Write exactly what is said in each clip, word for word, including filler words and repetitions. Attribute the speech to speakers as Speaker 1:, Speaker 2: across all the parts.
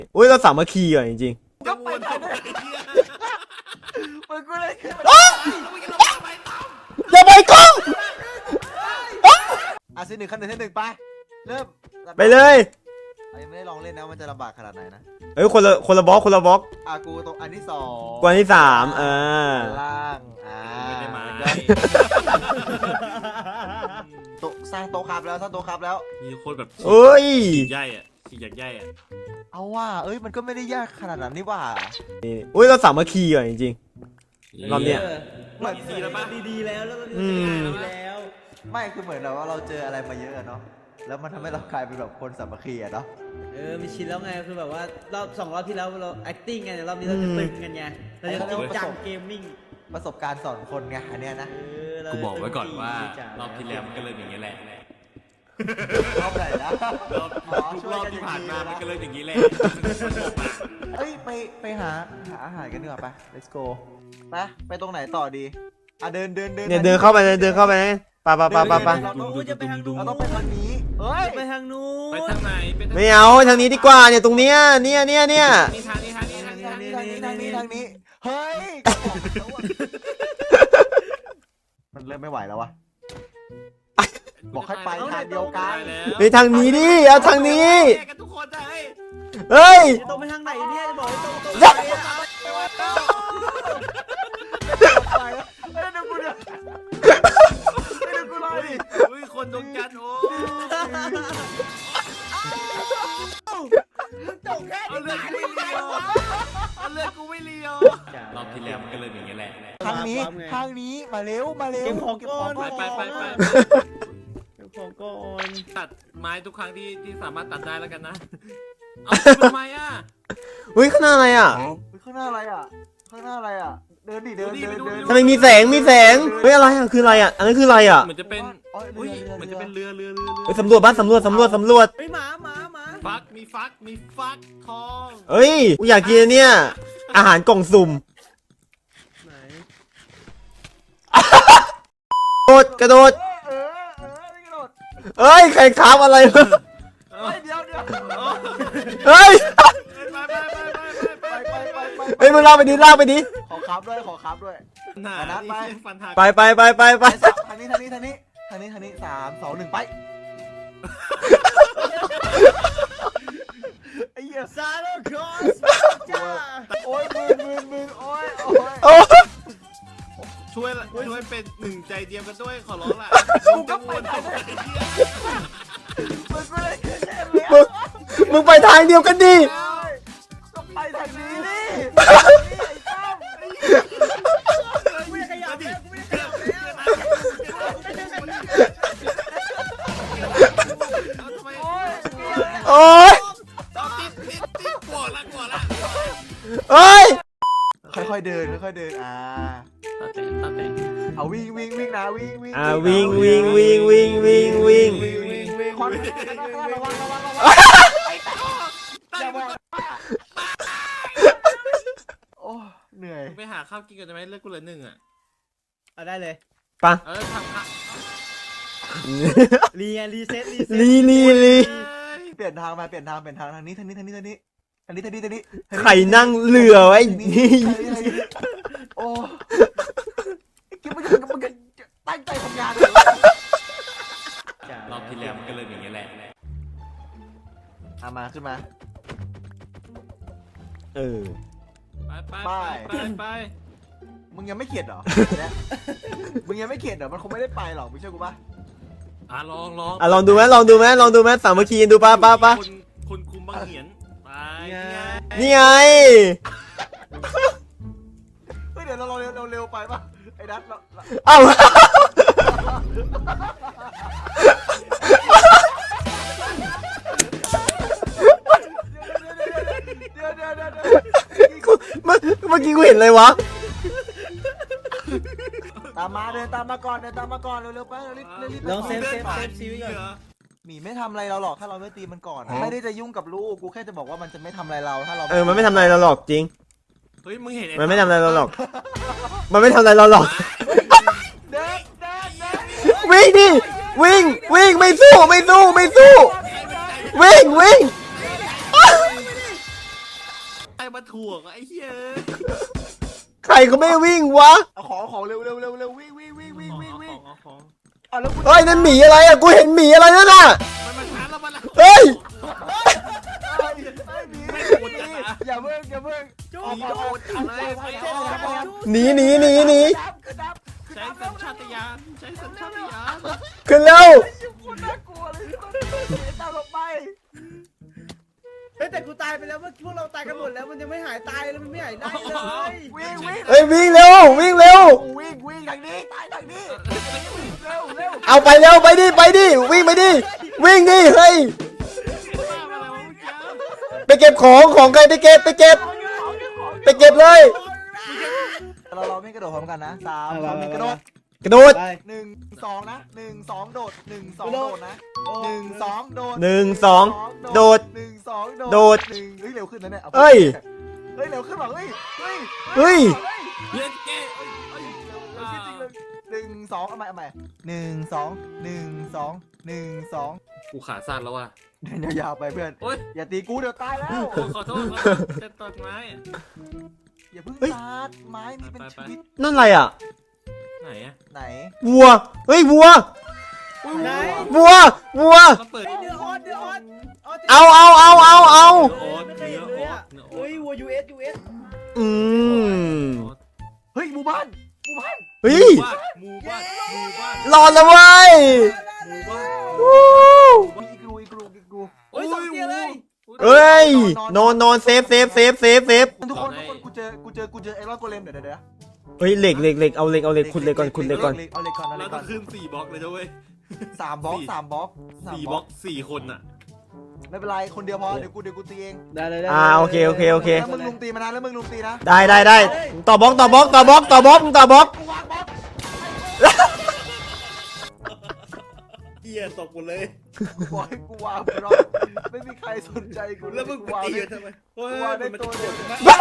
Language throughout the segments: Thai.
Speaker 1: อุ้ยเราสามัคคีอ่ะจริงๆ
Speaker 2: ก็ไปทำไมมึงกูเลย
Speaker 1: อย่าไปกล้อง
Speaker 2: อ่ะสิหนึ่งขั้นหนึ่งขั้นหนึ่งไปเริ่ม
Speaker 1: ไปเลย
Speaker 2: ยังไม่ได้ลองเล่นนะมันจะลำบากขนาดไหนนะ
Speaker 1: เอ้ยคนละคนละบล็อกคนละบล็อก
Speaker 2: อ่ะกูตรงอันที่สอง
Speaker 1: กวนที่สามอ่า
Speaker 2: ล่างอ่า
Speaker 3: ไม่ได้มา
Speaker 2: โต๊ะสร้างโต๊ะครับแล้วสร้างโต๊ะครับแล้ว
Speaker 3: มีคนแบบ
Speaker 1: เอ้ย
Speaker 3: ฉีกใหญ่อะฉีกใหญ่อะ
Speaker 2: เอาว่าเอ้ยมันก็ไม่ได้ยากขนาดนั้นนี่ว่า
Speaker 1: นี่อุ้ยเราสามัคคีอ่ะจริงๆรอบเนี้ย
Speaker 3: เหมือนดีแล้วปะ
Speaker 4: ดีๆแล้วแล้วก็
Speaker 1: อืม
Speaker 4: ดีแล้ว
Speaker 2: ไม่คือเหมือนแบบว่าเราเจออะไรมาเยอะเนาะแล้วมันทำให้เรากลายเป็นแบบคนสามัคคีอะเนาะ
Speaker 4: เออมีชินแล้วไงคือแบบว่ารอบสองรอบที่แล้วเรา acting กันแต่รอบนี้เราจะตึงกันไงเราจะจริงจังเกมมิ่ง
Speaker 2: ประสบการณ์สอนคนไงอันเนี้ยนะ
Speaker 4: เออเรา
Speaker 3: กูบอกไว้ก่อนว่ารอบที่แล้วมันก็เริ่มอย่างนี้แหละ
Speaker 2: รอบไหนนะ
Speaker 3: รอบทุกรอบที่ผ่านมามันก็เริ่มอย่างนี้แหละ
Speaker 2: เอ้ยไปไปหาหาอาหารกันดีกว่าไป let's go ไปไปตรงไหนต่อดีอ่ะเดินเดินเดิน
Speaker 1: เนี่ยเดินเข้าไปเลยเดินเข้าไปเลยปะปะปะปะปะ
Speaker 2: เราต้อง
Speaker 4: จะไปทางนู้น
Speaker 2: เราต้องไปทางนี้เฮ้ย
Speaker 4: ไปทางนู้น
Speaker 3: ไปทางไหนไปทาง
Speaker 1: ไม่เอาทางนี้ดีกว่าเนี่ยตรงเนี้ยเนี่ยเนี่ยเนี่ย
Speaker 3: นี่ทางนี้ทางนี้ทางนี้
Speaker 2: ทางนี้ทางนี้ทางนี้ทางนี้เฮ้ยมันเริ่มไม่ไหวแล้ววะบอกให้ไปทางเดียวกัน
Speaker 1: ไปทางนี้ดิเอาทางนี้
Speaker 3: กันทุกคนได้
Speaker 1: เฮ้ย
Speaker 4: ตรงไปทางไหนเนี่ยจะบอกให้ตรงตรง
Speaker 2: ไปแล้วไปแล้วเดี๋ยวกูเดี๋ยวเดี๋ยวกูรอดิ
Speaker 3: อุ้ยคนดงกันโอ้
Speaker 4: ตกแค่
Speaker 3: เอาเลือดกูไม่เลียวเอาเลือดกูไม่เลียวรอบที่แล้วมันก็เริ่มอย่างนี้แหละ
Speaker 2: ทางนี้ทางนี้มาเร็วมาเร็ว
Speaker 4: เก็บของก้อน
Speaker 3: ไปไปไปไป
Speaker 4: เก็บของก้อน
Speaker 3: ตัดไม้ทุกครั้งที่ที่สามารถตัดได้แล้วกันนะเอาทำไมอ่ะ
Speaker 1: อุ้ยข้างหน้าอะไรอ่ะ
Speaker 2: ข้างหน้าอะไรอ่ะข้างหน้าอะไรอ่ะเดินดิเดินเดินเดิน
Speaker 1: ทำไมมีแสงมีแสงเฮ้ยอะไรอ่ะคืออะไรอ่ะอันนั้นคืออะไรอ่ะ
Speaker 3: เหมือนจะเป็นอุ้ยเหมือนจะเป็นเรือเรือเรือ
Speaker 1: เฮ้ยสำรวจบ้านสำรวจสำรวจสำรวจ
Speaker 4: เฮ้ยหมาหมาหมา
Speaker 3: ฟักมีฟักมีฟักทอง
Speaker 1: เฮ้ยกูอยากกินอันเนี่ยอาหารกล่องสุ่ม
Speaker 4: ไหน
Speaker 1: กระโดดกระโดด
Speaker 2: เออเออไม่กระโดด
Speaker 1: เฮ้ยใครค้าอะไรวะ
Speaker 2: เฮ้ยเดี๋ยวเดี๋ยว
Speaker 1: เฮ้ย
Speaker 3: ไปไปไปไปไป
Speaker 2: ไปไปไปไป
Speaker 1: เฮ้ยมึงลากไปดิลากไปดิ
Speaker 2: ขอครับด้วยขอครับด้วย
Speaker 3: หนาฟันหัก
Speaker 1: ไปไปไปไปไป
Speaker 2: ทางนี้ทางนี้ทางนี้ทางนี้ทางนี้สามสองหนึ่งไปไอ้เหี้ย
Speaker 4: ซาโลคอสจ้า
Speaker 2: โอ้ยมึงมึงมึงโอ้ยโอ้ย
Speaker 1: โอ้
Speaker 3: ช่วยช่วยเป็นหนึ่งใจเดียวกันด้วยขอร้องละ
Speaker 2: กูก็ไปทางนี้มึงก็เลยเล่นเลย
Speaker 1: มึงมึงไปทางเดียวกันดิ
Speaker 2: ก็ไปทางนี้ดิไอ้ตั้ม
Speaker 4: กูไม่ได้ขยับแล้วกูไม่ได้ขยับแล้ว
Speaker 3: ทำไม
Speaker 2: โอ้ย
Speaker 1: โอ้ย
Speaker 3: เอาติดติดติดกลัวละกลัวละ
Speaker 1: เฮ้ย
Speaker 2: ค่อยๆเดินค่อยๆเดินอ่า
Speaker 3: ตัดแต่ตัดแต่
Speaker 2: เอาวิ่งวิ่งวิ่งนะวิ่งวิ่ง
Speaker 1: อ่าวิ่งวิ่งวิ่งวิ่งวิ่งวิ่ง
Speaker 2: วิ่งวิ่งวิ่งควันระวังระวังระวังอย่าบอกโอ้เหนื่อย
Speaker 3: ไปหาข้าวกินกันได้ไหมเลือกกูเลยหนึ่งอ่ะ
Speaker 4: เอาได้เลย
Speaker 1: ปะ
Speaker 3: เออทำค่ะ
Speaker 4: รีไงรีเซ็ตรีเซ็ต
Speaker 1: ลีลีลี
Speaker 2: เปลี่ยนทางมาเปลี่ยนทางเปลี่ยนทางทางนี้ทางนี้ทางนี้ทางนี้ทางนี้ทางนี้ทางนี้
Speaker 1: ใครนั่งเรือไว้
Speaker 2: โอ้คิดว่าจะมันตั้งใจทำงานเลย
Speaker 3: รอบที่แล้วมันก็เริ่มอย่างนี้แหละ
Speaker 2: เอามาขึ้นมา
Speaker 1: เออ
Speaker 3: ไปไปไปไป
Speaker 2: มึงยังไม่เข็ดเหรอมึงยังไม่เข็ดเหรอมันคงไม่ได้ไปหรอกมึงเชื่อกูป่ะ
Speaker 3: อ่ะลองลอง
Speaker 1: อ่ะลองดูไหมลองดูไหมลองดูไหมสามัคคีดูป้าป้าป้า
Speaker 3: คุณคุณคุมบังเหียนไป
Speaker 1: นี่ไง
Speaker 2: เฮ้ยเดี๋ยวเราเร็วเราเร็วไปป่ะไอ้นัทเรา
Speaker 1: เอ้า
Speaker 2: เดี๋ยวเดี๋ยวเดี๋ยว
Speaker 1: เมื่อเมื่อกี้กูเห็นอะไรวะ
Speaker 2: ตามมาเดินตามมาก่อนเดินตามมาก่อนเร็วๆไปเร็วรีบรีบ
Speaker 4: ลองเซฟเซฟเซฟซีไว้ก่อน
Speaker 2: หมีไม่ทำอะไรเราหรอกถ้าเราไม่ตีมันก่อนไม่ได้จะยุ่งกับลูกกูแค่จะบอกว่ามันจะไม่ทำอะไรเราถ้าเรา
Speaker 1: เออมันไม่ทำอะไรเราหรอกจริง
Speaker 3: เฮ้ยมึงเห็น
Speaker 1: มันไม่ทำอะไรเราหรอก มันไม่ทำอะไรเราหรอก
Speaker 2: เดินเดินเดิน
Speaker 1: วิ่งดิวิ่งวิ่งไม่สู้ไม่สู้ไม่สู้วิ่งวิ่ง
Speaker 3: รมาถ่วงไอ้เหี้ย
Speaker 1: ใครก็ไม่วิ่งวะ
Speaker 2: เอาของของเร็วเร็วเร็วเร็ววิ่งวิ่งวิ่งวิ่งวิ่งวิ่ง
Speaker 3: ของของ
Speaker 2: อ่ะแล้วกู
Speaker 1: เฮ้ยนั่นหมีอะไรอะกูเห็นหมีอะไรนั่นน่ะ
Speaker 3: มันมาช้าแล้วมัน
Speaker 1: เฮ้ย
Speaker 2: ไอ้ไอ้หมีอย่าเพิ่งอย่าเพิ่ง
Speaker 3: หนีโดดเอาเลยไปเอา
Speaker 1: หนีหนีหนีหนี
Speaker 2: กระดับ
Speaker 3: ใช้สัญชาตญาณใช้สัญชาตญาณ
Speaker 1: ขึ้นเร็ว
Speaker 2: คนน่ากลัวเลยตามลงไป
Speaker 4: เฮ้ยแต่กูตายไปแล้วเมื่อพวกเราตายกันหมดแล้วมันยังไม่หายตายเลยมันไม่หายได้เลย
Speaker 2: วิ่งวิ่ง
Speaker 1: เฮ้ยวิ่งเร็ววิ่งเร็ว
Speaker 2: วิ่งวิ่งทางนี้ตายทางนี้เร็วเร็ว
Speaker 1: เอาไปเร็วไปดิไปดิวิ่งไปดิวิ่งดิเฮ้ยไปเก็บของของใครไปเก็บไปเก็บไปเก็บเลย
Speaker 2: เราเราไม่กระโดดพร้อมกันนะสามสองหนึ่งกระโดด
Speaker 1: กระโดด
Speaker 4: ไป
Speaker 2: หนึ่งสองนะหนึ่งสองโดดหนึ่งสองโดดนะหนึ่งสองโดด
Speaker 1: หนึ่งสองโดด
Speaker 2: หนึ่งสองโดด
Speaker 1: โดด
Speaker 2: หนึ่งเฮ้ยเร็วขึ้นนะเนี่ย
Speaker 1: เอ้ย
Speaker 2: เฮ้ยเร็วขึ้นหรอเฮ้ยเฮ้ย
Speaker 1: เฮ้ย
Speaker 3: เล่นเกม
Speaker 2: หนึ่งสองเอาใหม่เอาใหม่หนึ่งสองหนึ่งสองหนึ่งสอง
Speaker 3: กูขาสั้นแล้วว่ะ
Speaker 2: เดินยาวๆไปเพื่อน
Speaker 3: โอ๊ย
Speaker 2: อย่าตีกูเดี๋ยวตายแล้ว
Speaker 3: ขอโทษจะตัดไม้
Speaker 2: อย่าเพิ่งตัดไม้มีเป็นชีวิต
Speaker 1: นั่นอะไรอ่ะ
Speaker 3: ไหนอะ
Speaker 2: ไหน
Speaker 1: วัวเฮ้ยวัว
Speaker 4: ไหน
Speaker 1: วัววัว
Speaker 3: มาเปิด
Speaker 4: เฮ้ยเนื้อออนเนื้อออน
Speaker 1: เอาเอาเอาเอาเอา
Speaker 3: โอ๊ต
Speaker 4: ไม่เคย
Speaker 3: เนื้
Speaker 4: เห็
Speaker 3: อน
Speaker 4: เลย
Speaker 3: โอ๊
Speaker 4: อ่ะ
Speaker 3: ตเนื้อโอ๊
Speaker 4: เฮ้
Speaker 3: ต
Speaker 4: ยวัวยูเอสยูเอส
Speaker 1: อืม
Speaker 2: เฮ้ยหมู่บ้านหมู่บ้าน
Speaker 1: เฮ้ย
Speaker 3: หมู่บ้านหมู่บ้าน
Speaker 1: รอดแล้วเว้ย
Speaker 3: หมู่บ้าน
Speaker 1: วู้
Speaker 2: มีอีกรูอีกรูอีกรู
Speaker 4: โอ้ยสองเตียเลย
Speaker 1: เอ้ยนอนนอนเซฟเซฟเซฟเซฟเซฟ
Speaker 2: ทุกคนทุกคนกูเจอกูเจอกูเจอไอรอนโกเลมเดี๋ยวเดี๋ยวเดี๋ยว
Speaker 1: เฮ้ยเหล็กเหล็กเหล็กเอาเหล็กเอาเหล็กขุดเหล็กก่อนขุดเหล็กก่อน
Speaker 2: เอาเหล็กก่อนเอาเห
Speaker 3: เรา
Speaker 2: ล็ก
Speaker 3: ต้
Speaker 2: ก่
Speaker 3: อ
Speaker 2: อง น
Speaker 3: ขึ้นสี่บล็อกเลยนะเว้ย
Speaker 2: สามบล็อกสามบล็อกาม
Speaker 3: สี่บล็อกสี่คนอะ
Speaker 2: ไม่เป็นไรคนเดียวพอเดี๋ยวกูเดี๋ยวกูตีเอง
Speaker 4: ได้เลยได้
Speaker 1: อ่าโอเคโอเคโอเค
Speaker 2: แล้วมึงลุมตีมานะแล้วมึงลุมตีนะ
Speaker 1: ได้ได้ได้ต่อบล็อกต่อบล็อกต่อบล็อกต่อบล็อกต่อบล็อก
Speaker 2: กูวางบล็อก
Speaker 4: เหี้ยตกหมดเลย
Speaker 2: กูบอกให้กูวางบล็อกไม่มีใครสนใจกู
Speaker 4: แล้วมึงไป
Speaker 2: วาง
Speaker 4: ตี
Speaker 2: ได้
Speaker 4: ทำไม
Speaker 2: กูวางได้ตัวเดียว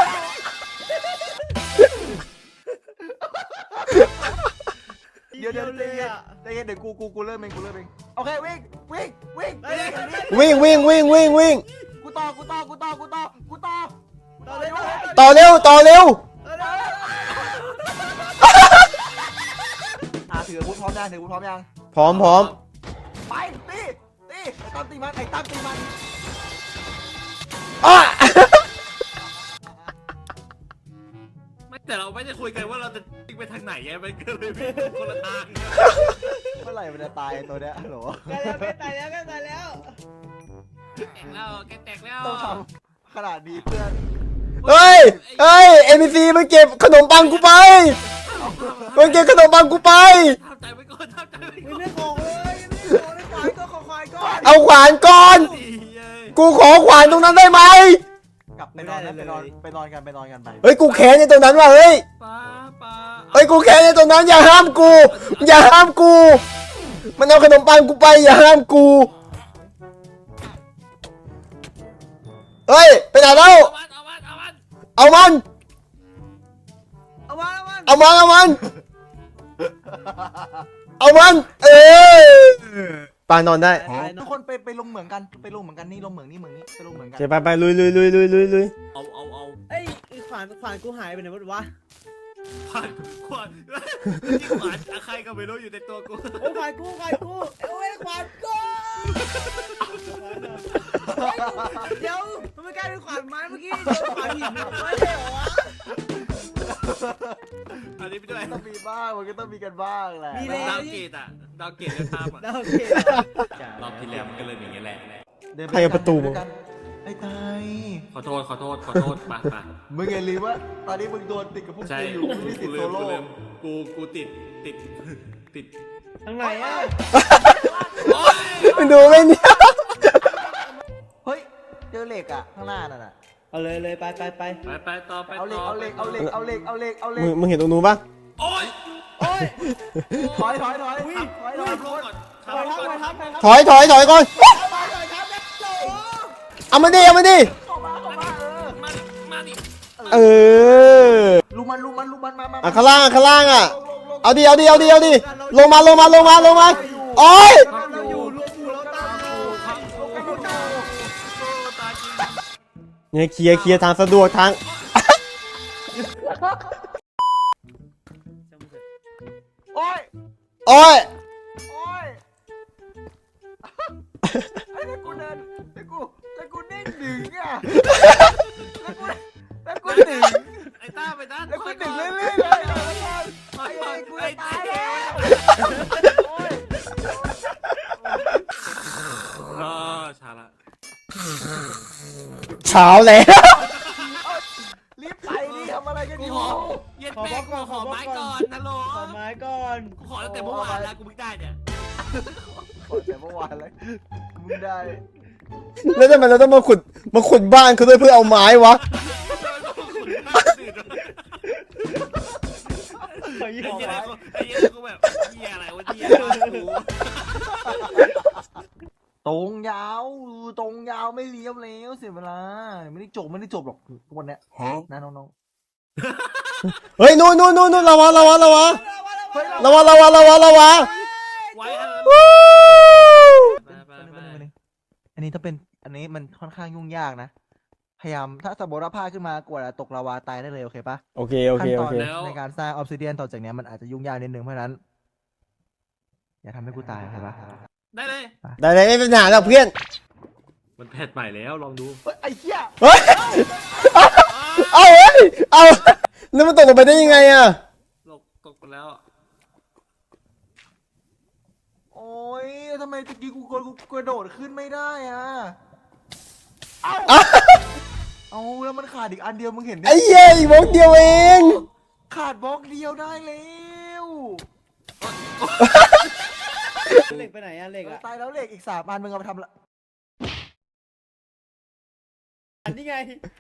Speaker 2: เดี๋ยวเดี๋ยวใจเย็นใจเย็นเดี๋ยวกูกูกูเริ่มเองกูเริ่มเองโอเควิ่งวิ่งวิ่งวิ่ง
Speaker 1: วิ่งวิ่งวิ่งวิ่งวิ่ง
Speaker 2: กูต่อกูต่อกูต่อกูต่อกูต่อ
Speaker 4: ต่อเลยต่อเลย
Speaker 1: ต่อเร็วต่อเร็ว
Speaker 2: อ่ะถืออาวุธพร้อมยังถืออาวุธพร้อมยัง
Speaker 1: พร้อมพร้อม
Speaker 2: ไปตีตีไอ้ตั้มตีมันไอ้ตั้มตีมัน
Speaker 1: อ้า
Speaker 3: ไม่แต่เราไม่ได้คุยกันว่าเราจะวิ่งไปทางไหนไงมันก็เลยวิ่งคนละทาง
Speaker 2: เมื่อไหร่มันจะตายตัวเนี้ยฮัลโหล
Speaker 4: ตายแล้วตายแล้วตายแล้ว
Speaker 3: แตกแล้วแกแตกแล้ว
Speaker 2: ต้องทำขนาดนี้เพื่อน
Speaker 1: เฮ้ยเฮ้ยเอ็มซีมันเก็บขนมปังกูไปมันเก็บขนมปังกูไป
Speaker 3: ทำใจไว้ก่อนทำใจไว้
Speaker 4: ไม่
Speaker 3: ก่อน
Speaker 4: ไม่ของเลยไม่ของเลยขวายก็ขอควายก็
Speaker 1: เอาขวานก่อน
Speaker 3: ดีเย้ย
Speaker 1: กูขอขวานตรงนั้นได้ไหม
Speaker 2: กลับไปนอนนะไปนอนไปนอนกันไปนอนกันไป
Speaker 1: เฮ้ยกูแค้นในตรงนั้นว่ะเฮ้ย
Speaker 3: ป้าป้า
Speaker 1: เฮ้ยกูแค้นในตรงนั้นอย่าห้ามกู อย่าห้ามกู มันเอาขนมปังกูไปอย่าห้ามกูเฮ้ยไปไหนแล้ว
Speaker 3: เอามันเอามันเอามัน
Speaker 1: เอามัน
Speaker 4: เอามาเอามา
Speaker 1: เอามันเอามันเอามันเออปานอนได้
Speaker 2: ทุกคนไปไปลงเหมืองกันไปลงเหมืองกันนี่ลงเหมืองนี่เหมืองนี่ไปลงเหมืองกัน
Speaker 1: เดี๋ยวไปไปลุยลุยลุยลุยลุยลุย
Speaker 3: เอาเอาเอา
Speaker 4: เอ้ยขวานขวานกูหายไปไหนวะ
Speaker 3: ขวานขวานที่ขวานใครก็ไม่รู้อยู่ในตัวกู
Speaker 4: โอ้ขวานกูขวานกูโอ้ยขวานกูเดี๋ยวมันไม่กลายเป็นขวานไม้เมื่อกี้โดนขวานหินไม่ใช่เหรอวะ
Speaker 3: อันนี้ไปด้วย
Speaker 2: ต้องมีบ้างมันก็ต้องมีกันบ้างแหละ
Speaker 3: ดาวเกตอะดาวเกตจะทำอะ
Speaker 4: โอเค
Speaker 3: รอบที่แล้วมันก็เลยอย่างเงี้ยแหละ
Speaker 1: ใครเอาประตูมา
Speaker 2: ไอ้ตาย
Speaker 3: ขอโทษขอโทษขอโทษไปไป
Speaker 2: มึงอย่าลืมว่าตอนนี้มึงโดนติดกับพวก
Speaker 3: ใช่
Speaker 2: กูอยู่มึงไม่ติ
Speaker 3: กู
Speaker 2: ด
Speaker 3: ลื
Speaker 2: โซ
Speaker 3: ม
Speaker 2: โล่
Speaker 3: กูลืมกูกูติดติดติด
Speaker 4: ทางไหนอ่ะ
Speaker 3: โอ๊ย
Speaker 1: มึงดูไหมเนี่ย
Speaker 2: เฮ้ยเจอเหล็กอ่ะข้างหน้านั่นน่ะ
Speaker 4: เอาเลยเลยไปไปไป
Speaker 3: ไปไปต่อไป
Speaker 2: เอาเหล็ก
Speaker 3: ต่
Speaker 2: เอาเหล็กเอาเหล็กเอาเหล็กเอาเหล็กเอาเหล็
Speaker 1: มึ
Speaker 2: ก
Speaker 1: งมึงเห็นตรงนู้นปะ
Speaker 3: โอ๊ย
Speaker 4: โอ้ย
Speaker 2: ถอยถอยถอยถอยถอยถ
Speaker 3: ทำ
Speaker 2: อย
Speaker 3: ลงก่อน
Speaker 4: ไป
Speaker 3: ทำลง
Speaker 4: ทับ
Speaker 3: ก่อน
Speaker 4: ไปทับไปทับ
Speaker 1: ถอยถอยถอยก่อน
Speaker 4: ไปไปทับแล้วโอ้
Speaker 1: เอามาดิเอามาดิ
Speaker 2: เข้ามาเข้ามาเออ
Speaker 3: มาดิมาดิ
Speaker 1: เออ
Speaker 2: ลูมันลูมันลูมันมามา
Speaker 1: อ่ะข้างล่างอ่ะข้างล่างอ่ะ
Speaker 2: ลงลงลง
Speaker 1: เอาดิเอาดิเอาดิเอาดิลงมาลงมาลงมาลงมาโอ้ย
Speaker 4: เราอยู่รวมหมู่เราตาย
Speaker 3: ครับโอ้โหตายจริง
Speaker 1: เนี่ยเคลียร์เคลียร์ทางสะดวกทาง
Speaker 2: โอ้ย
Speaker 1: โอ้ย
Speaker 2: โอ้ยไอ้ถ้ากูเดินถ้ากูถ้ากูเด้งดึงอ่ะแล้วกูแล้วกูดึง
Speaker 3: ไอ้ต้าไปต้า
Speaker 2: แล้วกูดึงเรื่อยๆเลยอ่ะไอ้ไอ้กูจะตายแล้วโอ้ย
Speaker 3: อ๋อช้าละ
Speaker 1: เช้าแล้ว
Speaker 2: รีบไปดิทำอะไรกัน
Speaker 3: กู
Speaker 2: อยู่
Speaker 3: ขอเย็ดแม่กูขอไม้ก่อนฮัลโหล
Speaker 4: ขอไม้ก่อน
Speaker 3: กูขอตั้งแต่เมื่อวานแล้วกูไม่ได้เนี่ย
Speaker 2: ขอแต่เมื่อวานเลยมึงได้
Speaker 1: แล้วทำไมเราต้องมาขุดมาขุดบ้านเขาด้วยเพื่อเอาไม้วะ
Speaker 4: ขอยี่
Speaker 3: ไอ้
Speaker 4: ห้อ
Speaker 3: เหี้ย
Speaker 4: ไม้
Speaker 3: ไอ้เหี้ยกูแบบเหี้ยอะไรวะเหี้ยกู
Speaker 2: ตรงยาวตรงยาวไม่เลี้ยวแล้วเสียเวลาไม่ได้จบไม่ได้จบหรอกวันเนี้ยนะน้อง
Speaker 1: เฮ้ยนู่นนู่นนู่นนู่นระวังระวังระวัง
Speaker 2: ๆเฮ้ย
Speaker 1: ระวังระวังระวังระวัง
Speaker 3: ไว้อะไร
Speaker 1: วู้
Speaker 3: ไปไปไป
Speaker 2: อันนี้ถ้าเป็นอันนี้มันค่อนข้างยุ่งยากนะพยายามถ้าสมมติว่าพลาดขึ้นมากว่าจะตกลาวาตายได้เลยโอเคปะ
Speaker 1: โอเคโอ
Speaker 2: ขั้
Speaker 1: เคน
Speaker 2: ต
Speaker 1: โอ
Speaker 2: อน
Speaker 1: เค
Speaker 2: ในการสร้างออฟซิเดียนต่อจากเนี้ยมันอาจจะยุ่งยากนิดนึงเพราะฉะนั้นอย่าทำให้กูตายโอเคปะ
Speaker 3: ได้เลย
Speaker 1: ได้เลยไม่เป็นปัญหาหรอกเพื่อน
Speaker 3: มันแพทใหม่แล้วลองดู
Speaker 2: เฮ้ยไอ้เหี้ย
Speaker 1: เฮ้ยเอาเฮ้ยเอาแล้วมันตกลงไปได้ยังไงอะ
Speaker 3: ตกตกไปแล้ว
Speaker 2: โอ้ยทำไมตะกี้กูกดกูกระโดดขึ้นไม่ได้อ่ะเอ้าเอาแล้วมันขาดอีกอันเดียวมึงเห็นไหม
Speaker 1: ไอ้เหี้ยอีกบล็อกเดียวเอง
Speaker 2: ขาดบล็อกเดียวได้แล้ว
Speaker 4: เหล็กไปไหนอะเหล็กอะ
Speaker 2: ตายแล้วเหล็กอีกสามอันมึงเอาไปทำละ
Speaker 4: อันนี้ไง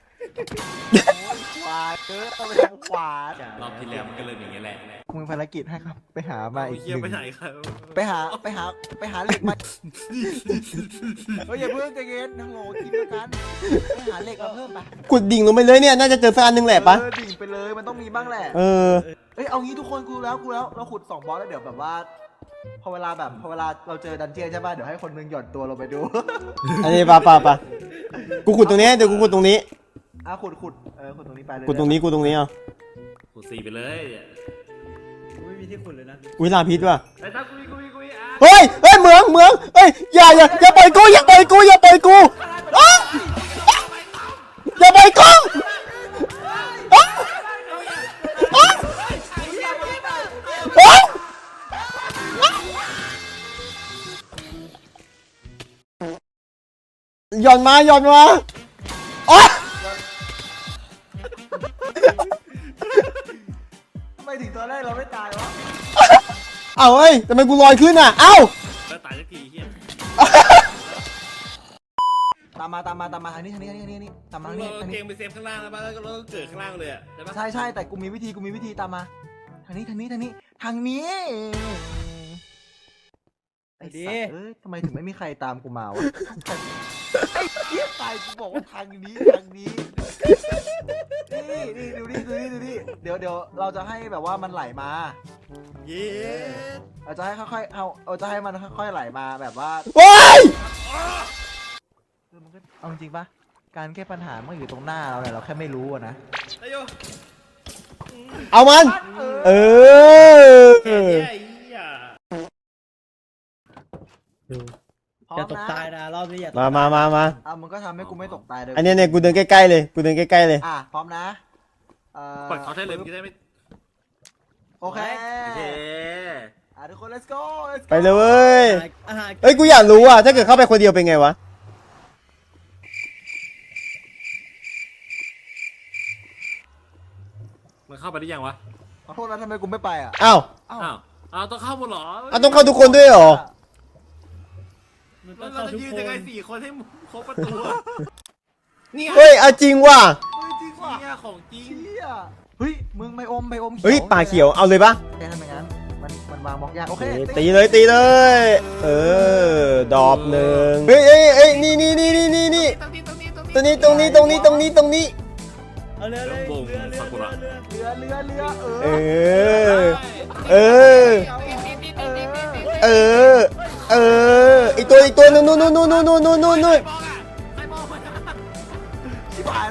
Speaker 2: ขวาเออเอาไปทางขวาร
Speaker 3: อบที่แล้วมันก็เลยอย่างเงี้ยแหละ
Speaker 2: มึงภารกิจให้ครับ ไปหามาอีก
Speaker 3: เฮีย
Speaker 2: หนึ่ง
Speaker 3: ไปไหนครับ
Speaker 2: ไปหาไปหาไปหาเหล็กมาเฮ้ยอย่าเพิ่งใจเย็นฮัลโหลทีมเดียวกันไปหาเหล็กมาเพิ่มไป
Speaker 1: ขุดดิ่งลงไปเลยเนี่ยน่าจะเจอสักอันหนึงแหละปะ
Speaker 2: เออดิ่งไปเลยมันต้องมีบ้างแหละ
Speaker 1: เออ
Speaker 2: เอ้ยเอางี้ทุกคนกูแล้วกูแล้วเราขุดสองบอสแล้วเดี๋ยวแบบว่า พอเวลาแบบพอเวลาเราเจอดันเจียนใช่ป่ะเดี๋ยวให้คนนึงหย่อนตัวลงไปดู
Speaker 1: อันนี้ปะปะปะกูขุดตรงนี้เดี๋ยวกูขุดตรงนี้
Speaker 2: อ่ะขุดขุดเออขุดตรงนี้ไปเลย
Speaker 1: ขุดตรงนี้กูตรงนี้เอา
Speaker 3: กูซีไปเลย
Speaker 4: กูไม่มีที่ขุดเลยนะ
Speaker 1: อุ้ยลาพิษว่ะ
Speaker 3: ไอ้ตากูมีกูมีกูมีอ่ะ
Speaker 1: เฮ้ยเฮ้ยเหมืองเหมืองเฮ้ยอย่าอย่าอย่าปล่อยกูอย่าปล่อยกูอย่าปล่อยกูอ๊ะอย่าปล่อยกูอ๊ะอ๊ะอ๊ะหย่อนมาหย่อนมาอ๊ะ
Speaker 2: ทำไมถึงตอนแรกเราไม่ตายวะ
Speaker 1: เอ้าเฮ้ยทำไมกูลอยขึ้นอ่ะเอ้า
Speaker 3: แล้วตายสักทีเฮีย
Speaker 2: ตามมาตามมาตามมาทางนี้ทางนี้ทางนี้ทางนี้ตามมาทางนี้
Speaker 3: เรา
Speaker 2: ทาง
Speaker 3: เก
Speaker 2: นี้
Speaker 3: มไปเซฟข้างล่างแล้วบ้างแล้วก็เราเกิดข้างล่างเลยอ่ะใช่ปะ
Speaker 2: ใช่ใช่แต่กูมีวิธีกูมีวิธีตามมาทางนี้ทางนี้ทางนี้ทางนี้ไอ้สัตว์เอ้ยทำไมถึงไม่มีใครตามกูมาวะไอ้เหี้ยตายกูบอกว่าทางนี้ทางนี้นี่นี่ดูนี่ดูนี่ดูนี่เดี๋ยวเดี๋ยวเราจะให้แบบว่ามันไหลมา
Speaker 3: เย้
Speaker 2: เราจะให้ค่อยๆเอาเราจะให้มันค่อยๆไหลมาแบบว่า
Speaker 1: ว้าย
Speaker 2: เออมันก็เอาจริงปะการแก้ปัญหามันอยู่ตรงหน้าเราเนี่ยเราแค่ไม่รู้อะนะ
Speaker 3: ไอ้โย
Speaker 1: เอามันเออ
Speaker 3: แก่เหี้ยไอ้เหี้ย
Speaker 2: พร้อ
Speaker 4: อย่าม ตก
Speaker 2: นะ
Speaker 4: ตายนะรอบนี้อย่าตก
Speaker 1: มามามามา
Speaker 2: อ่ะมึงก็ทำให้กูไม่ตกตายเลย
Speaker 1: อันเนี้ยเนี่ยกูเดินใกล้ๆเลยกูเดินใกล้ๆเลย
Speaker 2: อ่ะพร้อมนะเอ่อ
Speaker 3: ปล่อยเขาใช่เลยมึงจะได้ไม่
Speaker 2: โอเค
Speaker 3: โอเค
Speaker 2: อ่ะทุกคน let's go let's go
Speaker 1: ไปเลยเว้ย
Speaker 4: อาหาร
Speaker 1: เอ้ยกูอยากรู้อ่ะถ้าเกิดเข้าไปคนเดียวเป็นไงวะ
Speaker 3: มันเข้าไปได้ยังวะ
Speaker 2: ขอโทษนะทำไมกูไม่ไปอ่ะ
Speaker 1: อ้าว
Speaker 2: อ้าว
Speaker 3: อ้าวอ้าวต้องเข้าหมดเหรอ
Speaker 1: อ้าวต้องเข้าทุกคนด้วยเหรอ
Speaker 4: มันต้
Speaker 3: แล้
Speaker 4: อ
Speaker 3: ว
Speaker 4: ง
Speaker 3: เรา
Speaker 4: เข้า
Speaker 3: จะ
Speaker 4: ทุก
Speaker 3: ยืน
Speaker 4: คน
Speaker 3: ยังไงสี่คนให้ครบประตูอะนี่ไง
Speaker 1: เฮ้ยเอาจริงว่ะ
Speaker 2: เฮ้ยจริงว่ะ
Speaker 3: เนี่ยของจริง
Speaker 2: เชี่ยเฮ้ยมึงไม่อมไม่อม
Speaker 1: เฮ้ยป่าเขียวเอาเลยปะ
Speaker 2: แค่ทำอย่างนั้นมันมันวางบล็อกยากโอเค
Speaker 1: เอ้ยตีเลยตีเลย เออดอบหนึ่งเฮ้ยเอ้ยเอ้ยนี่นี่นี่นี่นี่นี่
Speaker 3: ตรงนี้ตรงนี้ตรงนี้
Speaker 1: ตรงนี้ตรงนี้ตรงนี้ตรงนี้ตรงนี้
Speaker 4: เอาเรือเลยเรือเรือเรือเรือ
Speaker 2: เรือเรือเรือเอ
Speaker 1: เอ
Speaker 2: อ
Speaker 1: อ เออ เออ เออ อีกตัวอีกตัวนู่นนู่นนู่นนู่นนู่นนู่นนู่นนู่น
Speaker 3: ใครมองอ่ะใครมองอ่ะ
Speaker 2: ชิบหาย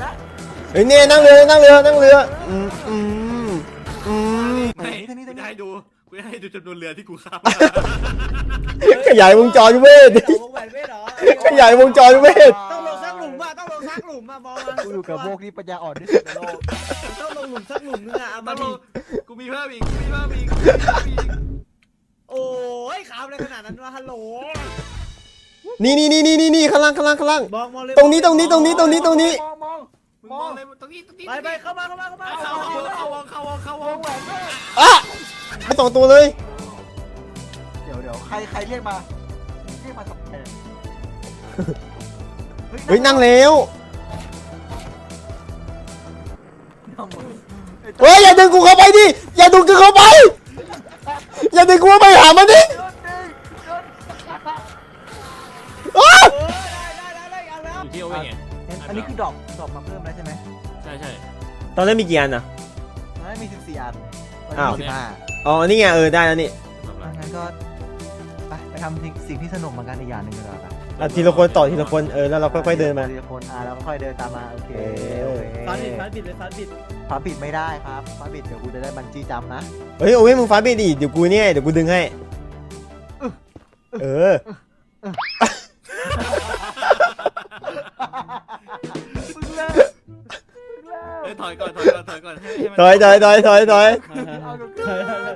Speaker 1: เฮ้ยเนี่ยนั่งเรือนั่งเรือนั่งเรืออืมอืมอืม
Speaker 3: ไม่กูจะให้ดูกูจะให้ดูจำนวนเรือที่กูข้าม
Speaker 1: ขยายวงจรเวท
Speaker 4: วงแหวนเวทเหรอ
Speaker 1: ขยายวงจรเวท
Speaker 4: ต้องลงสักหลุมอ่ะต้องลงสักหลุมอ่ะมองมา
Speaker 2: กูอยู่กับโบกนี่ปัญญาอ่อนที่สุดในโลก
Speaker 4: ต้องลงหลุมสักหลุมนึงอ่ะเอา
Speaker 3: ต้
Speaker 4: มา
Speaker 3: องล
Speaker 4: ดิ
Speaker 3: งกูมีเพิ่มอีกกูมีเพิ่มอีกกูมีเพิ่มอีก
Speaker 4: โอ้ยขาวเลยขนาดนั้นวะฮัลโหล
Speaker 1: นี่นี่นี่นี่นี่ข้างล่างข้างล่างข้างล่าง
Speaker 4: มองมองเลย
Speaker 1: ตรงนี้ตรงนี้ตรงนี้ตรงนี้ตรงนี้
Speaker 2: มองมอง
Speaker 3: มึงมองเลยตรงนี้ตรงนี้
Speaker 4: ไปไปเข้ามาเข้ามาเข้ามา
Speaker 3: เข้าเข้าเข้าวงเข้าวงเข้าวง
Speaker 1: อ่ะไปสองตัวเลย
Speaker 2: เดี๋ยวเดี๋ยวใครใครเรียกมาเรียกมาทำไม
Speaker 1: เฮ้ยนั่งแล้ว
Speaker 2: นั่งมึง
Speaker 1: เฮ้ยอย่าดึงกูเข้าไปดิอย่าดึงกูเข้าไปอย่าดึงกูเข้าไปหามันดิอ้า
Speaker 4: เออได้ได้ได้เอาแล้ว
Speaker 3: อยู่ที่โอเว่นไง
Speaker 2: อันนี้คือดรอปดรอปมาเพิ่มแล้วใช่ไหม
Speaker 3: ใช่ใช่
Speaker 1: ตอนแรกมีกี่อันอ่ะ
Speaker 2: ตอนนั้นมีสิบสี่อันตอน
Speaker 1: อ้าว
Speaker 2: นี้สิบห้า
Speaker 1: อ๋อนี่ไงเออได้แล้วนี่
Speaker 2: งั้นก็ไปไปทำสิ่งสิ่งที่สนุกเหมือนกันอีกอย่างหนึ่งกันแล้วกัน
Speaker 1: อ่ะทีละคนต่อทีละคนเออแล้วเราค่อยๆเดินมา
Speaker 2: ทีละคนอ่าแล้วก็ค่อยเดินตามมาโอเค
Speaker 1: เออ
Speaker 2: โอเค
Speaker 4: ฟันบิดฟันบิดเลยฟันบิด
Speaker 2: ฟ้าปิดไม่ได้ครับฟ้าปิดเดี๋ยวกูจะได้บันจี้จัมป์นะ
Speaker 1: เฮ้ยโอ้ยมึงฟ้าบิดดิเดี๋ยวกูเนี่ยเดี๋ยวกูดึงให้เออ
Speaker 2: มึงเลิก
Speaker 3: เฮ้ยถอยก่อนถอยก่อนถอยก่อนให้ให้มัน
Speaker 1: ถอยถอยถอยถอยถอย
Speaker 2: เอาเดี๋ยว
Speaker 4: เฮ้ยเฮ้ยเฮ้ย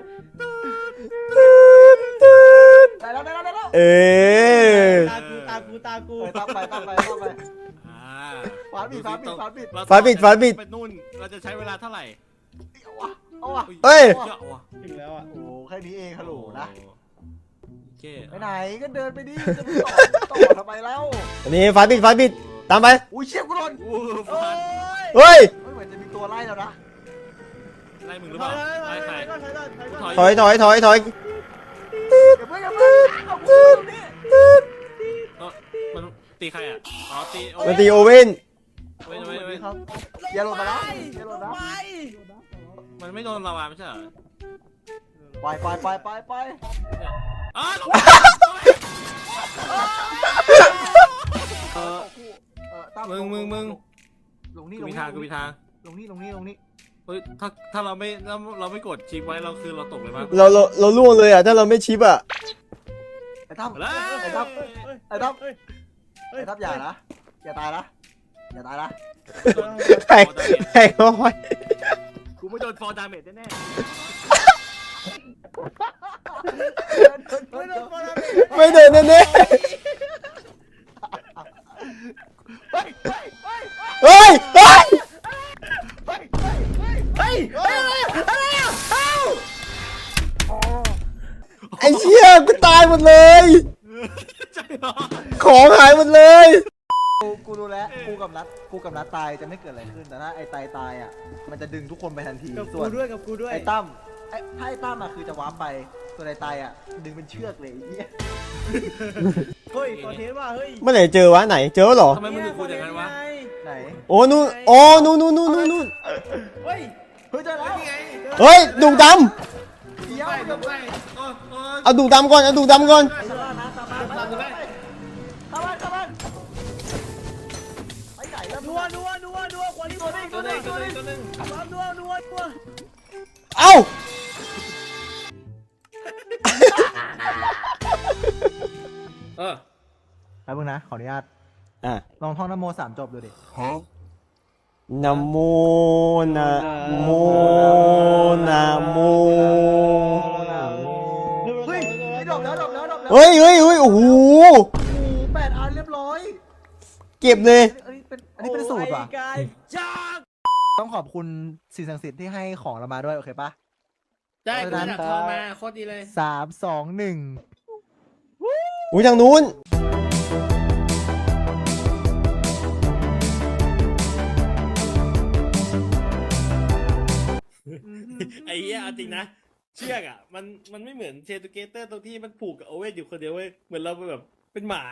Speaker 2: ได้แล้วได้แล้วได้แล้ว
Speaker 1: เออ
Speaker 4: ตากูตากูตากู
Speaker 2: เออตั้งไปตั้งไปตั้งไป
Speaker 3: อ่า
Speaker 2: ฟ้าปิดฟ้าปิดฟ้าปิด
Speaker 1: ฟ้าปิดฟ้าปิด
Speaker 3: ไปนู่นเราจะใช้เวลาเท่าไหร่
Speaker 2: เอาวะเอาวะ
Speaker 1: เฮ้ย
Speaker 3: เยอะว่ะ
Speaker 4: ถึงแล้วอ่ะ
Speaker 2: โอ้แค่นี้เองฮัลโหลนะ
Speaker 3: โอเค
Speaker 2: ไปไหนก็เดินไปดิจะไปต่อต่อทำไมแล้ว
Speaker 1: อันนี้ฟ้าปิดฟ้าปิดตามไป
Speaker 2: อุ้ยเชี่ยกูโดน
Speaker 3: อู้
Speaker 4: โอ้
Speaker 3: ฟัน
Speaker 4: ย
Speaker 1: เฮ้ย
Speaker 2: เฮ้ยเหมือนจะมีตัวไล่แล้วนะ
Speaker 3: ไล่มึงหรือ
Speaker 4: ถ
Speaker 3: เป
Speaker 4: อ
Speaker 3: ล่าย
Speaker 4: ถอย
Speaker 3: ไล่
Speaker 4: ถ
Speaker 3: ใคร
Speaker 4: อยถอยถอยถอย
Speaker 1: ถอยถอยถอยถอย
Speaker 2: อย่าเพิ่งอย่าเพิ่งเอากูอยู่นี่
Speaker 3: เอ้ามันตีใครอ่ะอ๋อตีโอ้
Speaker 1: มันตีโอเว่น
Speaker 3: เว้ยเว้ยเว้ย
Speaker 2: ครับอย่าหล่นมานะอย่าห
Speaker 4: ล
Speaker 2: ล่น
Speaker 4: ง
Speaker 2: นะ
Speaker 4: ไป
Speaker 3: มันไม่โดนลาวาไม่ใช่เหรอ
Speaker 2: ปล่อยปล่อยปล่อยปล่อยปล่อย
Speaker 3: อ๋อลง
Speaker 2: เออเออตั้
Speaker 3: มึงมึงมึง
Speaker 2: ลงนี่
Speaker 3: กู
Speaker 2: ลง
Speaker 3: มี
Speaker 2: นี่
Speaker 3: ทางกูมีทาง
Speaker 2: ลงนี่ลงนี่ลงนี่
Speaker 3: เฮ้ยถ้าถ้าเราไม่เราเราไม่กดชิปไว้เราคือเราตกเลยมั้ง
Speaker 1: เราเราเราล่วงเลยอ่ะถ้าเราไม่ชิปอ่ะ
Speaker 2: ไอ้ตั้ม
Speaker 3: แล้ว
Speaker 2: ไอ้ตั้ม ไอ้ตั้ม
Speaker 4: เฮ้ย
Speaker 2: ไอ้ตั้มอย่านะอย่าตายนะอย่าตายนะ
Speaker 1: แพงแพงน้อย
Speaker 3: กูไม่โดนฟอร์ดาเมจแน่
Speaker 4: ไม่โดนฟอร์ดาเมจ
Speaker 1: ไม่เดินแน่
Speaker 2: เฮ้ยเฮ้ยเฮ้ย
Speaker 1: ๆเฮ้ยเฮ้ย
Speaker 2: เฮ้ยเฮ้ย
Speaker 4: เฮ้ยอะไรอ่ะเอ้า
Speaker 1: ไอ้เชี่ยกูตายหมดเลย
Speaker 3: ๆใช่เหรอ
Speaker 1: ของหายหมดเลย
Speaker 2: กูกูรู้แล้วกูกับนัดกูกับนัดตายจะไม่เกิดอะไรขึ้นแต่ถ้าไอ้ตายตายอ่ะมันจะดึงทุกคนไปทันที
Speaker 4: กับ
Speaker 2: ส่
Speaker 4: กู
Speaker 2: วน
Speaker 4: ด้วยกับกูด้วย
Speaker 2: ไอ้ตั้มไอ้ถ้าไอ้ตั้มอ่ะคือจะวาร์ปไปส่วนไอ้ตายอ่ะดึงเป็นเชือกเลยไอ้เหี้ย
Speaker 4: เฮ้ยคอนเทนต์ว่ะเฮ้ย
Speaker 1: เมื่อไหร่เจอวะไหนเจอเหรอ
Speaker 3: ทำไมมึงถึงพูดอย่างนั้นวะ
Speaker 2: ไหน
Speaker 1: โอ้นู่นโอ้นู่นนู่นนู่นนู่นนู่น
Speaker 4: เฮ้ย
Speaker 2: เฮ้ยเจอแล้ว
Speaker 3: นี่ไง
Speaker 1: เฮ้ยดุด
Speaker 2: เดี๋ยว
Speaker 3: ไป
Speaker 2: เดี๋ยว
Speaker 3: ไปโอ้โอ้
Speaker 1: ำเอาดุดำก่อนเอาดุดำก่อน
Speaker 2: ไอ้ตานะตามมาตามมาเข้าบ้านเข้าบ้านไปไหนแล้ว
Speaker 4: นัวนัวนัวนัวคนที่ตัวนี้
Speaker 3: ตัวหนึ่งตัวหนึ่งตัวหนึ่ง
Speaker 4: นัวนัวนัว
Speaker 1: เอ้า
Speaker 3: เออ
Speaker 2: แป๊บนึงนะขออนุญาต
Speaker 1: อ่ะ
Speaker 2: ลองท่องนโมสามจบดูดิ
Speaker 1: นะโมนะโมนะโม
Speaker 2: เฮ้ยไอ้ดอกแล้วดอกแล้วดอกแล้ว
Speaker 1: เฮ้ยเฮ้ยเฮ้ยโอ้โห
Speaker 2: โอ้โหแปดอันเรียบร้อย
Speaker 1: เก็บเลย
Speaker 2: อันนี้เป็นอันนี้เป็นสูตรว่ะ
Speaker 4: กายจ้า
Speaker 2: ต้องขอบคุณสิ่งศักดิ์สิทธิ์ที่ให้ของเรามาด้วยโอเคปะ
Speaker 4: ได้กูดักทองมาโคตรดีเลย
Speaker 2: สามสองหนึ่ง
Speaker 1: อุ้ยทางนู้น
Speaker 3: ไอ้เหี้ยเอาจริงนะ เชือกอ่ะมันมันไม่เหมือนเชตูเกเตอร์ตรงที่มันผูกกับโอเว่นอยู่คนเดียวเว้ยเหมือนเราเป็นแบบเป็นหมา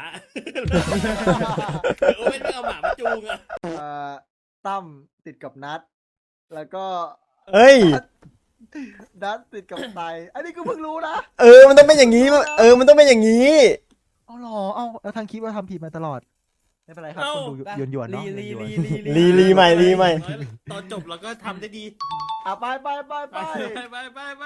Speaker 3: โอเว่นไม่เอาหมามาจูงอ่ะ
Speaker 2: เอ่อตั้มติดกับนัด แล้วก็
Speaker 1: เอ้ย
Speaker 2: นัดติดกับไตอันนี้กูเพิ่งรู้นะ
Speaker 1: เออมันต้องเป็นอย่างนี้เออมันต้องเป็นอย่างนี้
Speaker 2: เอาหรอเอาแล้วทางคลิปเราทำผิดมาตลอดไม่เป็นไรครับคนดูหยวนหยวนๆเนาะ
Speaker 4: ลี
Speaker 2: หยวน
Speaker 4: ลี
Speaker 2: ๆ
Speaker 4: ลี
Speaker 1: ลีลีใหม่ลีใหม่
Speaker 3: ตอนจบเราก็ทำได้ดี
Speaker 2: อ่ะไปไปไปไป
Speaker 3: ไปไปไปไป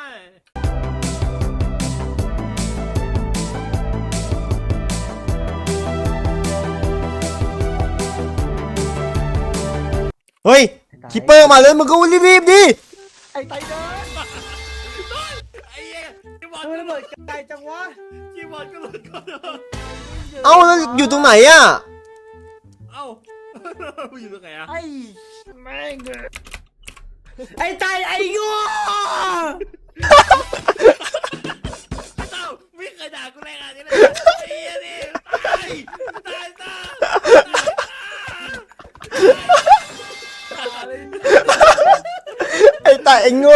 Speaker 1: เฮ้ยคิปเปอร์มาเลยมึงก็รีบๆดิ
Speaker 2: ไอ้ไตเดิน
Speaker 3: ไอ้เหี้ยคีย์บอร์ด
Speaker 4: ทำไมระเบิดไกลจังวะ
Speaker 3: คีย์บอร์ดก็หลุดก่อน
Speaker 1: เอ้าแล้วอยู่ตรงไหนอะ
Speaker 3: เอ้าอยู่ตรงไหนอะ
Speaker 2: ไอ้แม่ง
Speaker 4: ไอ้ใจไอ้โง่
Speaker 3: เต้าไม่เคยด่ากูแรงอะไรเลยไอ้เหี้ยนี่ตายตายตาย
Speaker 1: ไอ้ตาไอ้โง่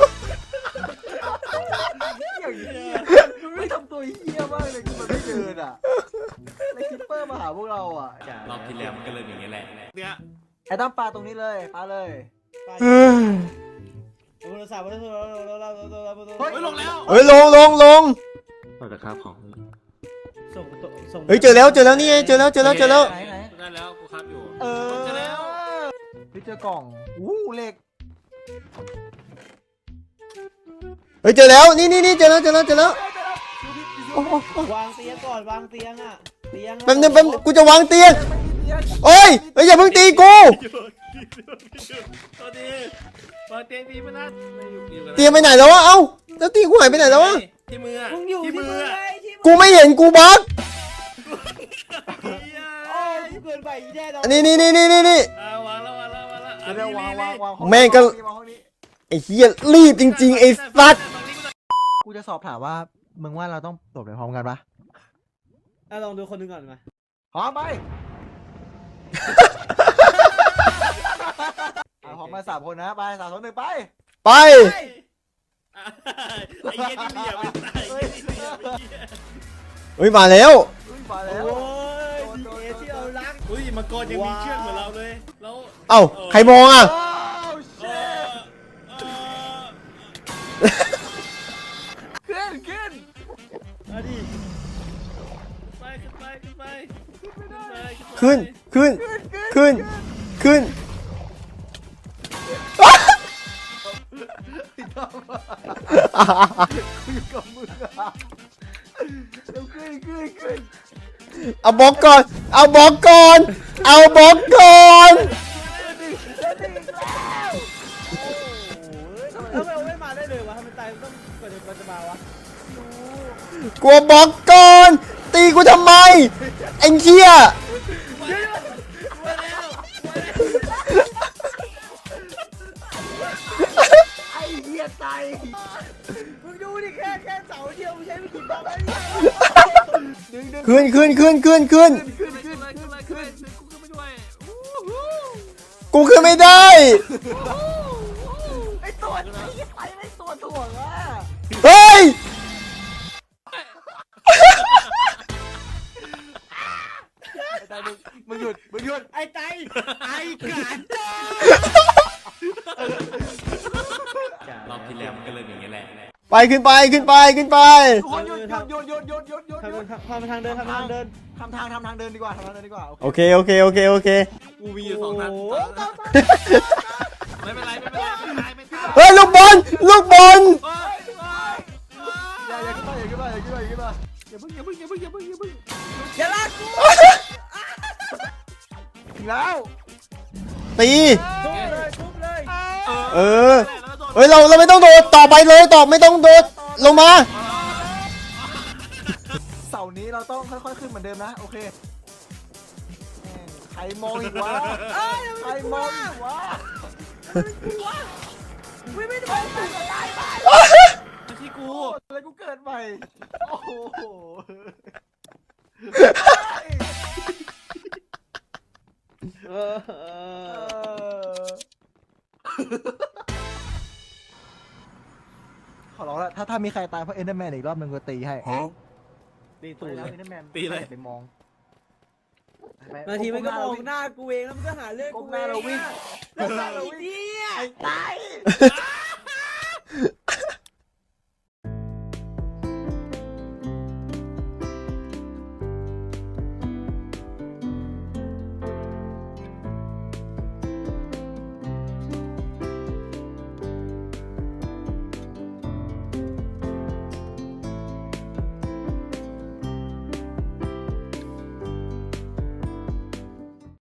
Speaker 2: อย่างนี้มันไม่ทำตัวเฮี้ยมากเลยคือมันไม่เดินอ่ะไอ้คิปเปอร์มาหาพวกเราอ่ะ
Speaker 3: รอบที่แล้วมันก็เลยอย่างเงี้ยแหละเนี่ย
Speaker 2: ไอ้ตั้มปลาตรงนี้เลยปลาเลย
Speaker 1: เฮ้ย
Speaker 4: โทรศัพท์โทรศัพท์โทรศัพท์โทรศัพท์โทรศัพท์
Speaker 3: เฮ้ยลงแล้ว
Speaker 1: เฮ้ยลงลงลง
Speaker 5: เราจะข้าวของ
Speaker 4: ส่งส่ง
Speaker 1: เฮ้ยเจอแล้วเจอแล้วนี่ไงเจอแล้วเจอแล้วเจอแล้ว
Speaker 2: ไหนไหน
Speaker 3: ได้แล้วกูครับอยู่
Speaker 2: เออ
Speaker 3: เจอแล้ว
Speaker 2: ไปเจอกล่องอู้เหล็ก
Speaker 1: เฮ้ยเจอแล้วนี่นี่นี่เจอแล้วเจอแล้วเจอแล้วโอ้โห
Speaker 4: วางเตียงก่อนวางเตียงอ่ะเตียง
Speaker 1: แป๊บนึงแป๊บนึงกูจะวางเตียงโอ้ยเฮ้ยอย่าเพิ่งตีกู
Speaker 3: ตอนนี้วางเตียงดีไหมนะไม่อยู่อยู่กัน
Speaker 1: เตียงไปไหนแล้ววะเอ้าแล้วตีกูหายไปไหนแล้ววะ
Speaker 3: ที่มือ
Speaker 4: มึงอยู่ที่
Speaker 3: ที่
Speaker 4: มื
Speaker 3: มื
Speaker 4: อ
Speaker 3: อ
Speaker 4: ไงที่มือ
Speaker 1: กูไม่เห็นกูบั๊ก
Speaker 4: โอ้ยเกินไปแน่นอน
Speaker 1: นี่นี่นี่นี่นี่นี่
Speaker 3: วางแล้ววางแล้ววางแล้ว
Speaker 2: เดี๋ยววางวางวาง
Speaker 1: แม่งก็
Speaker 2: วางห้องนี้
Speaker 1: ไอ้เหี้ยรีบจริงๆไอ้สัตว์
Speaker 2: กูจะสอบถามว่ามึงว่าเราต้องตบไปพร้อมกันปะ
Speaker 4: อ่ะลองดูคนหนึงก่อนมา
Speaker 2: พร้อมไปอ่ะพร้อมมาสามคนนะไปสามสองหนึ่งไป
Speaker 1: ไป
Speaker 3: ไอ้เหี้ยนี่เหลี่ยมไม่ตายไอ้เหี้ยนี่เหลี่ยมไอ้เหี้ย
Speaker 1: เฮ้ยมาแล้ว
Speaker 2: อุ้ยมาแล้ว
Speaker 4: โอ้ยดีเอที่เรารัก
Speaker 3: อุ้ยมังกรยังมีเชือกเหมือนเราเลยแล้ว
Speaker 1: เอ้าใครมองอ่ะ
Speaker 2: โอ้
Speaker 3: เอ
Speaker 2: ชิ
Speaker 3: อเออ
Speaker 2: ขึ้นขึ้น
Speaker 4: มาดิ
Speaker 3: ไปขึ้นไปขึ้นไปขึ้นไป
Speaker 1: ขึ้นขึ้นขึ้นขึ้น
Speaker 2: กูอยู่กับมึงอ่ะเร็วขึ้นขึ้นขึ้น
Speaker 1: เอาบล็อกก่อนเอาบล็อกก่อนเอาบล็อกก่อน
Speaker 4: แล้วเราไม่มาได้เลยวะทำไมตายต้องกว่าจะมันจะมาวะ
Speaker 1: กลัวบล็อกก่อนตีกูทำไมไอ้เหี้ย
Speaker 2: ไอ้เหี้ยตาย
Speaker 4: มึงดูดิแค่แค่เสาเดียวมึงใช้ไม่กี่บล็อกแล้วเนี่ย
Speaker 2: ดึงดึง
Speaker 1: ขึ้นขึ้นขึ้นขึ้นขึ้น
Speaker 2: ขึ้น
Speaker 3: ขึ้
Speaker 2: ขึ้
Speaker 3: น
Speaker 2: น
Speaker 3: ขึ้นขึ้นขึ้นกูขึ้นไปด้วย
Speaker 1: กูขึ้นไม่ได้
Speaker 2: ไอ้ตัวไอ้เหี้ยไปไม่ตัวถ่วงอ่ะ
Speaker 1: เฮ้ย
Speaker 2: ไอ้ตายมึงมึงหยุดมึงหยุด
Speaker 4: ไอ้ไตไอ้กาจ้าร
Speaker 3: อบที่แล้วมันก็เลยอย่างเงี้ยแหละ
Speaker 1: ไปขึ้นไปขึ้นไปขึ้นไป
Speaker 2: ทุกคนหยุดหยุดหยุดหยุดหยุดหยุดหยุดหยุด
Speaker 4: ทำทางเดินทำทางเดิน
Speaker 2: ทำทางทำทางเดินดีกว่าทำทางเดินดีกว่า
Speaker 1: โอเคโอเคโอเคโอเค
Speaker 3: กูมีอยู่สองนัดไม่เป็นไรไม่เป็นไรไม่ตายไม่ตาย
Speaker 1: เฮ้ยลูกบอลลูกบอล
Speaker 2: อย่าอย่าขึ้นมาอย่าขึ้นมาอย่าขึ้นมาอย่าขึ้นมา
Speaker 3: อย่าเพิ่งอย่าเพิ่งอย่าเพิ่งอย่าเพิ่งอย่าเพิ่ง
Speaker 4: อย่าลากกู
Speaker 2: ถึงแล้ว
Speaker 1: ตี
Speaker 4: ทุบเลยทุบเลย
Speaker 1: เออเฮ้ยเราเราไม่ต้องโดดต่อไปเลยต่อไม่ต้องโดดลงมา
Speaker 2: เสาร์นี้เราต้องค่อยๆขึ้นเหมือนเดิมนะโอเคใครมองอีกวะใครมองอีกวะ
Speaker 4: ไม่ไม่ได้ไป
Speaker 3: ไม่ใช่กู
Speaker 2: อะไรกูเกิดใหม่โอ้โห
Speaker 4: เออ
Speaker 2: ขอร้องแล้วถ้าถ้ามีใครตายเพราะเอ็นเดอร์แมนอีกรอบหนึ่งก็ตีให้
Speaker 4: ตี
Speaker 2: ตู
Speaker 4: ตู
Speaker 2: ด
Speaker 4: ด
Speaker 2: แล้ว
Speaker 4: เลย
Speaker 2: เอ็นเดอร์แมน
Speaker 3: ตีเลย
Speaker 2: ไปมอง
Speaker 4: บางทีมันก็มองหน้ากูเองแล้วมันก็หาเรื่องกูเองแล้วหน้าเราวิ่ง
Speaker 2: ตาย